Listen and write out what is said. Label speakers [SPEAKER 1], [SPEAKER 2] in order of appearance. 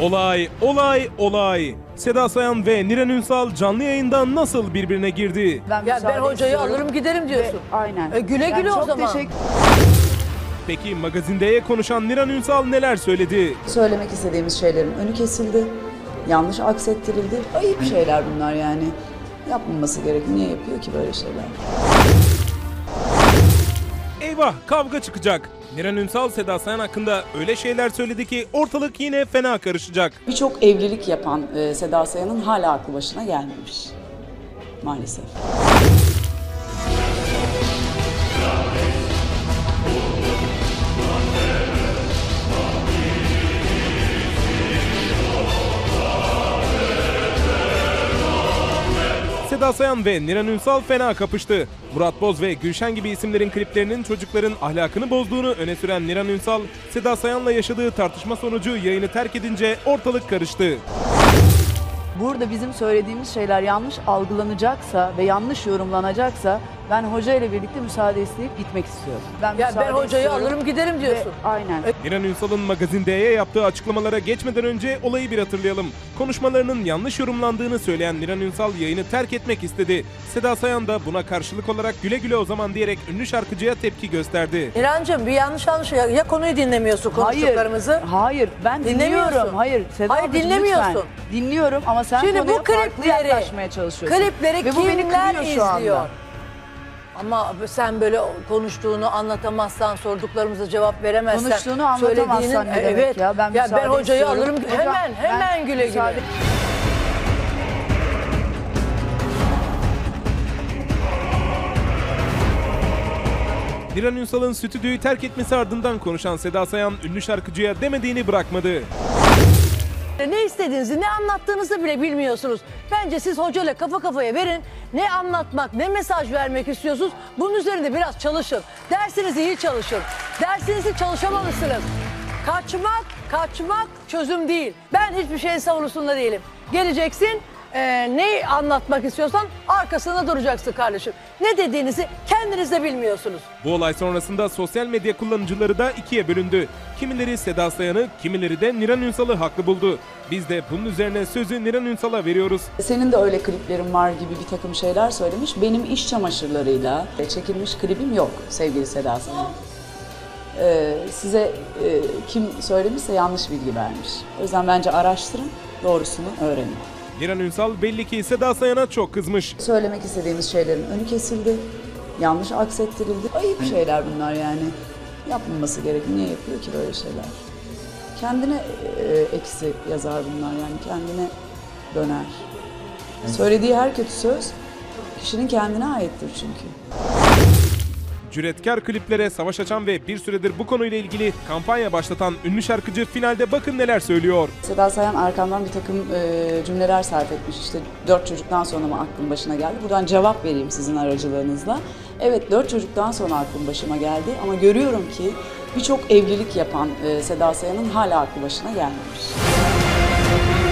[SPEAKER 1] Olay, olay, olay. Seda Sayan ve Niren Ünsal canlı yayında nasıl birbirine girdi?
[SPEAKER 2] Ben hocayı alırım giderim diyorsun.
[SPEAKER 3] Aynen.
[SPEAKER 2] Güle güle o zaman.
[SPEAKER 1] Peki Magazin.d'ye konuşan Niren Ünsal neler söyledi?
[SPEAKER 3] Söylemek istediğimiz şeylerin önü kesildi. Yanlış aksettirildi. Ayıp şeyler bunlar yani. Yapmaması gerek. Niye yapıyor ki böyle şeyler?
[SPEAKER 1] Eyvah, kavga çıkacak. Niren Ünsal Seda Sayan hakkında öyle şeyler söyledi ki ortalık yine fena karışacak.
[SPEAKER 3] Birçok evlilik yapan Seda Sayan'ın hala aklı başına gelmemiş. Maalesef.
[SPEAKER 1] Seda Sayan ve Niren Ünsal fena kapıştı. Murat Boz ve Gülşen gibi isimlerin kliplerinin çocukların ahlakını bozduğunu öne süren Niren Ünsal, Seda Sayan'la yaşadığı tartışma sonucu yayını terk edince ortalık karıştı.
[SPEAKER 4] Burada bizim söylediğimiz şeyler yanlış algılanacaksa ve yanlış yorumlanacaksa ben hoca ile birlikte müsaade isteyip gitmek istiyorum.
[SPEAKER 2] Ben hocayı alırım giderim diyorsun.
[SPEAKER 4] Aynen.
[SPEAKER 1] Niren Ünsal'ın Magazin.d'ye yaptığı açıklamalara geçmeden önce olayı bir hatırlayalım. Konuşmalarının yanlış yorumlandığını söyleyen Niren Ünsal yayını terk etmek istedi. Seda Sayan da buna karşılık olarak güle güle o zaman diyerek ünlü şarkıcıya tepki gösterdi.
[SPEAKER 2] İrancığım bir yanlış ya konuyu dinlemiyorsun konuştuklarımızı.
[SPEAKER 4] Hayır ben
[SPEAKER 2] Dinlemiyorsun.
[SPEAKER 4] dinliyorum. Hayır Seda
[SPEAKER 2] Hayır,
[SPEAKER 4] ablacığım,
[SPEAKER 2] dinlemiyorsun.
[SPEAKER 4] lütfen. Dinliyorum ama sen
[SPEAKER 2] Şimdi
[SPEAKER 4] konuya
[SPEAKER 2] bu
[SPEAKER 4] farklı
[SPEAKER 2] klipleri,
[SPEAKER 4] yaklaşmaya çalışıyorsun.
[SPEAKER 2] klipleri
[SPEAKER 4] Ve bu beni
[SPEAKER 2] kimler
[SPEAKER 4] kırıyor şu anda.
[SPEAKER 2] izliyor? Ama sen böyle konuştuğunu anlatamazsan, sorduklarımıza cevap veremezsen,
[SPEAKER 4] Konuştuğunu anlatamazsan ne demek
[SPEAKER 2] evet,
[SPEAKER 4] ya? Ben
[SPEAKER 2] ben
[SPEAKER 4] müsaade
[SPEAKER 2] hocayı
[SPEAKER 4] istiyorum.
[SPEAKER 2] alırım
[SPEAKER 4] Hocam,
[SPEAKER 2] hemen güle
[SPEAKER 4] müsaade-
[SPEAKER 2] güle.
[SPEAKER 1] Niren Ünsal'ın stüdyoyu terk etmesi ardından konuşan Seda Sayan ünlü şarkıcıya demediğini bırakmadı.
[SPEAKER 2] Ne istediğinizi, ne anlattığınızı bile bilmiyorsunuz. Bence siz hocayla kafa kafaya verin. Ne anlatmak, ne mesaj vermek istiyorsunuz? Bunun üzerinde biraz çalışın. Dersinizi iyi çalışın. Dersinizi çalışamamışsınız. Kaçmak çözüm değil. Ben hiçbir şeyin savunusunda değilim. Geleceksin, neyi anlatmak istiyorsan arkasında duracaksın kardeşim. Ne dediğinizi kendiniz de bilmiyorsunuz.
[SPEAKER 1] Bu olay sonrasında sosyal medya kullanıcıları da ikiye bölündü. Kimileri Seda Sayan'ı, kimileri de Niren Ünsal'ı haklı buldu. Biz de bunun üzerine sözü Niren Ünsal'a veriyoruz.
[SPEAKER 3] Senin de öyle kliplerin var gibi bir takım şeyler söylemiş. Benim iş çamaşırlarıyla çekilmiş klibim yok sevgili Seda Sayan. Size kim söylemişse yanlış bilgi vermiş. O yüzden bence araştırın, doğrusunu öğrenin.
[SPEAKER 1] Niren Ünsal belli ki Seda Sayan'a çok kızmış.
[SPEAKER 3] Söylemek istediğimiz şeylerin önü kesildi. Yanlış aksettirildi. Ayıp şeyler bunlar yani. Yapmaması gerek. Niye yapıyor ki böyle şeyler? Kendine eksi yazar bunlar yani. Kendine döner. Söylediği her kötü söz kişinin kendine aittir çünkü.
[SPEAKER 1] Cüretkar kliplere savaş açan ve bir süredir bu konuyla ilgili kampanya başlatan ünlü şarkıcı finalde bakın neler söylüyor.
[SPEAKER 3] Seda Sayan arkamdan bir takım cümleler sarf etmiş. İşte 4 çocuktan sonra mı aklım başına geldi? Buradan cevap vereyim sizin aracılığınızla. Evet 4 çocuktan sonra aklım başıma geldi ama görüyorum ki birçok evlilik yapan Seda Sayan'ın hala aklı başına gelmemiş.